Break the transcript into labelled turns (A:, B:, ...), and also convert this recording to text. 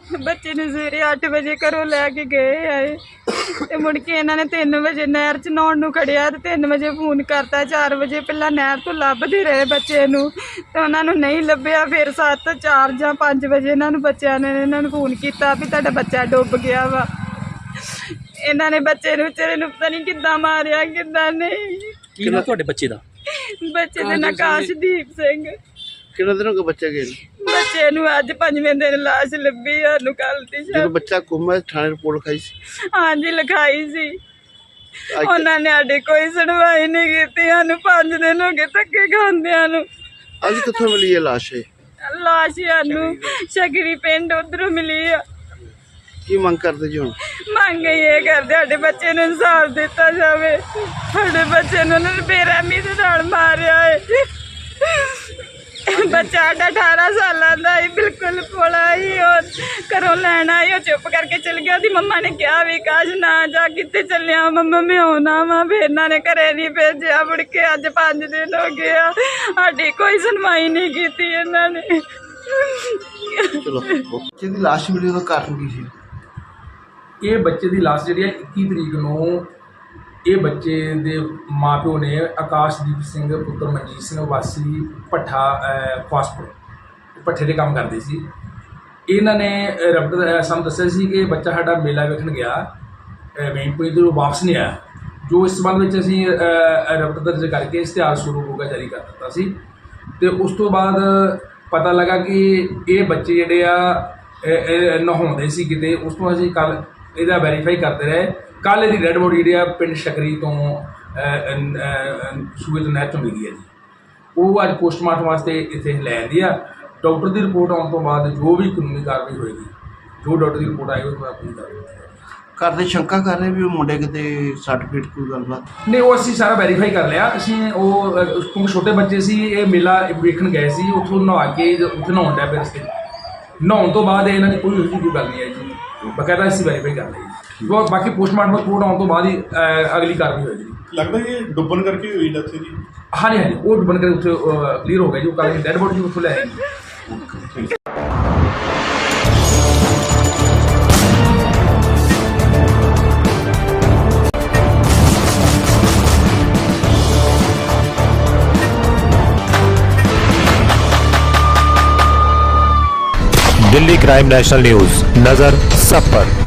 A: ਬੱਚੇ ਨੂੰ ਸਵੇਰੇ 8 ਵਜੇ ਘਰੋਂ ਲੈ ਕੇ ਗਏ ਆਏ ਤੇ ਮੁੜ ਕੇ ਇਹਨਾਂ ਨੇ 3 ਵਜੇ ਨਹਿਰ 'ਚ ਨਹਾਉਣ ਨੂੰ ਖੜਿਆ ਤੇ 3 ਵਜੇ ਫੋਨ ਕਰਤਾ। 4 ਵਜੇ ਪਹਿਲਾਂ ਨਹਿਰ ਤੋਂ ਲੱਭਦੇ ਰਹੇ ਬੱਚੇ ਨੂੰ ਤੇ ਉਹਨਾਂ ਨੂੰ ਨਹੀਂ ਲੱਭਿਆ। ਫਿਰ 7, 4 ਜਾਂ 5 ਵਜੇ ਇਹਨਾਂ ਨੂੰ ਬੱਚਿਆਂ ਨੇ ਇਹਨਾਂ ਨੂੰ ਫੋਨ ਕੀਤਾ ਵੀ ਤੁਹਾਡਾ ਬੱਚਾ ਡੁੱਬ ਗਿਆ ਵਾ। ਇਹਨਾਂ ਨੇ ਬੱਚੇ ਨੂੰ ਵਿਚਾਰੇ ਨੂੰ ਪਤਾ ਨਹੀਂ ਕਿੱਦਾਂ ਮਾਰਿਆ ਕਿੱਦਾਂ ਨਹੀਂ।
B: ਕੀ ਨਾਮ ਤੁਹਾਡੇ ਬੱਚੇ ਦਾ?
A: ਬੱਚੇ ਦਾ ਨਾਂ ਕਾਸ਼ਦੀਪ ਸਿੰਘ।
C: ਕਿੰਨੇ ਦਿਨ ਹੋ ਗਏ ਬੱਚੇ ਗਏ?
A: ਬੱਚੇ ਨੂੰ ਅੱਜ 5ਵੇਂ ਦਿਨ ਲਾਸ਼ ਲੱਭੀ ਸਾਨੂੰ ਕੱਲ ਦੀ।
C: ਜਦੋਂ ਬੱਚਾ ਗੁੰਮ ਹੈ ਥਾਣੇ ਰਿਪੋਰਟ ਲਿਖਾਈ ਸੀ?
A: ਹਾਂਜੀ ਲਿਖਾਈ ਸੀ। ਉਹਨਾਂ ਨੇ ਸਾਡੀ ਕੋਈ ਸੁਣਵਾਈ ਨਹੀਂ ਕੀਤੀ। ਸਾਨੂੰ 5 ਦਿਨ ਹੋ ਗਏ ਧੱਕੇ ਖਾਂਦਿਆਂ ਨੂੰ।
C: ਅੱਜ ਕਿੱਥੋਂ ਮਿਲੀ ਇਹ ਲਾਸ਼?
A: ਲਾਸ਼ ਸਾਨੂੰ ਸ਼ਗਰੀ ਪਿੰਡ ਉਧਰੋਂ ਮਿਲੀ ਆ।
C: ਕੀ ਮੰਗ ਕਰਦੇ ਜੀ ਹੁਣ?
A: ਮੰਗ ਇਹ ਕਰਦੇ ਸਾਡੇ ਬੱਚੇ ਨੂੰ ਇਨਸਾਫ ਦਿੱਤਾ ਜਾਵੇ। ਸਾਡੇ ਬੱਚੇ ਨੂੰ ਉਹਨਾਂ ਨੇ ਬੇਰਹਿਮੀ ਦੇ ਨਾਲ ਮਾਰਿਆ ਹੈ। ਬੱਚਾ ਸਾਡਾ 18 ਸਾਲਾਂ ਦਾ ਹੀ ਬਿਲਕੁਲ ਭੋਲਾ ਹੀ। ਉਹ ਘਰੋਂ ਲੈਣ ਆਈ, ਉਹ ਚੁੱਪ ਕਰਕੇ ਚਲ ਗਿਆ। ਉਹਦੀ ਮੰਮਾ ਨੇ ਕਿਹਾ ਵੀ ਕਾਸ਼ ਨਾ ਜਾ, ਕਿੱਥੇ ਚੱਲਿਆ ਮੰਮਾ, ਮੈਂ ਆਉਣਾ ਵਾ। ਫਿਰ ਇਹਨਾਂ ਨੇ ਘਰੇ ਨਹੀਂ ਭੇਜਿਆ। ਮੁੜ ਕੇ ਅੱਜ 5 ਦਿਨ ਹੋ ਗਏ ਆ, ਸਾਡੀ ਕੋਈ ਸੁਣਵਾਈ ਨਹੀਂ ਕੀਤੀ ਇਹਨਾਂ ਨੇ।
C: ਚਲੋ ਬੱਚੇ ਦੀ ਲਾਸ਼ ਮਿਲੀ ਉਹਦਾ ਕਾਰਨ ਕੀ ਸੀ?
D: ਇਹ ਬੱਚੇ ਦੀ ਲਾਸ਼ ਜਿਹੜੀ ਹੈ 21 ਤਰੀਕ ਨੂੰ ਇਹ ਬੱਚੇ ਦੇ ਮਾਪਿਓ ਨੇ ਆਕਾਸ਼ਦੀਪ ਸਿੰਘ ਪੁੱਤਰ ਮਨਜੀਤ ਸਿੰਘ ਵਾਸੀ ਭੱਠਾ ਫਾਸਟਫੂਡ ਭੱਠੇ ਦੇ ਕੰਮ ਕਰਦੇ ਸੀ। ਇਹਨਾਂ ਨੇ ਰਬਟ ਸਾਨੂੰ ਦੱਸਿਆ ਸੀ ਕਿ ਬੱਚਾ ਸਾਡਾ ਮੇਲਾ ਵੇਖਣ ਗਿਆ, ਮੇਨਪੁਰੀ ਤੋਂ ਵਾਪਸ ਨਹੀਂ ਆਇਆ। ਜੋ ਇਸ ਸੰਬੰਧ ਵਿੱਚ ਅਸੀਂ ਰਬਟ ਦਰਜ ਕਰਕੇ ਇਸ਼ਤਿਹਾਰ ਸ਼ੁਰੂ ਹੋਗਾ ਜਾਰੀ ਕਰ ਦਿੱਤਾ ਸੀ। ਤੇ ਉਸ ਤੋਂ ਬਾਅਦ ਪਤਾ ਲੱਗਾ ਕਿ ਇਹ ਬੱਚੇ ਜਿਹੜੇ ਆ ਨਹਾਉਂਦੇ ਸੀ ਕਿਤੇ। ਉਸ ਤੋਂ ਅਸੀਂ ਕੱਲ੍ਹ ਇਹਦਾ ਵੈਰੀਫਾਈ ਕਰਦੇ ਰਹੇ। ਕੱਲ੍ਹ ਇਹਦੀ ਡੈਡ ਬੋਡੀ ਜਿਹੜੀ ਆ ਪਿੰਡ ਸ਼ਕਰੀ ਤੋਂ ਸੂਏ ਤੋਂ ਨਹਿਰ ਚੋਂ ਮਿਲੀ ਹੈ ਜੀ। ਉਹ ਅੱਜ ਪੋਸਟਮਾਰਟਮ ਵਾਸਤੇ ਇੱਥੇ ਲੈ ਆਂਦੀ ਆ। ਡਾਕਟਰ ਦੀ ਰਿਪੋਰਟ ਆਉਣ ਤੋਂ ਬਾਅਦ ਜੋ ਵੀ ਕਾਨੂੰਨੀ ਕਾਰਵਾਈ ਹੋਏਗੀ, ਜੋ ਡਾਕਟਰ ਦੀ ਰਿਪੋਰਟ ਆਏਗੀ ਉਹ ਆਪਣੀ ਕਾਰਵਾਈ
C: ਘਰ ਦੇ ਸ਼ੰਕਾ ਕਰ ਰਹੇ ਵੀ ਉਹ ਮੁੰਡੇ ਕਿਤੇ ਸਰਟੀਫਿਕੇਟ ਕੋਈ ਗੱਲਬਾਤ?
D: ਨਹੀਂ, ਉਹ ਅਸੀਂ ਸਾਰਾ ਵੈਰੀਫਾਈ ਕਰ ਲਿਆ। ਅਸੀਂ ਉਹ ਕਿਉਂਕਿ ਛੋਟੇ ਬੱਚੇ ਸੀ, ਇਹ ਮੇਲਾ ਵੇਖਣ ਗਏ ਸੀ, ਉੱਥੋਂ ਨਹਾ ਕੇ ਉੱਥੇ ਨਹਾਉਣ ਡਿਆ ਪਿਆ ਰਸਤੇ। ਨਹਾਉਣ ਤੋਂ ਬਾਅਦ ਇਹਨਾਂ ਦੀ ਕੋਈ ਗੱਲ ਨਹੀਂ ਆਈ ਜੀ। ਬਕਾਇਦਾ ਅਸੀਂ ਵੈਰੀਫਾਈ ਕਰ ਲਈ। ਬਾਕੀ ਪੋਸਟਮਾਰਟਮ ਰਿਪੋਰਟ ਆਉਣ ਤੋਂ ਬਾਅਦ ਹੀ ਅਗਲੀ ਕਾਰਵਾਈ ਹੋਏਗੀ।
E: ਲੱਗਦਾ ਇਹ ਡੁੱਬਣ ਕਰਕੇ ਹੋਈ ਡੈਥ ਜੀ?
D: ਹਾਂਜੀ ਹਾਂਜੀ, ਉਹ ਡੁੱਬਣ ਕਰਕੇ ਉੱਥੇ ਕਲੀਅਰ ਹੋ ਗਿਆ ਜੀ। ਉਹ ਕੱਲ੍ਹ ਡੈਡ ਬੋਡੀ ਉੱਥੋਂ ਲੈ ਆਏ।
F: दिल्ली क्राइम नेशनल न्यूज, नजर सब पर।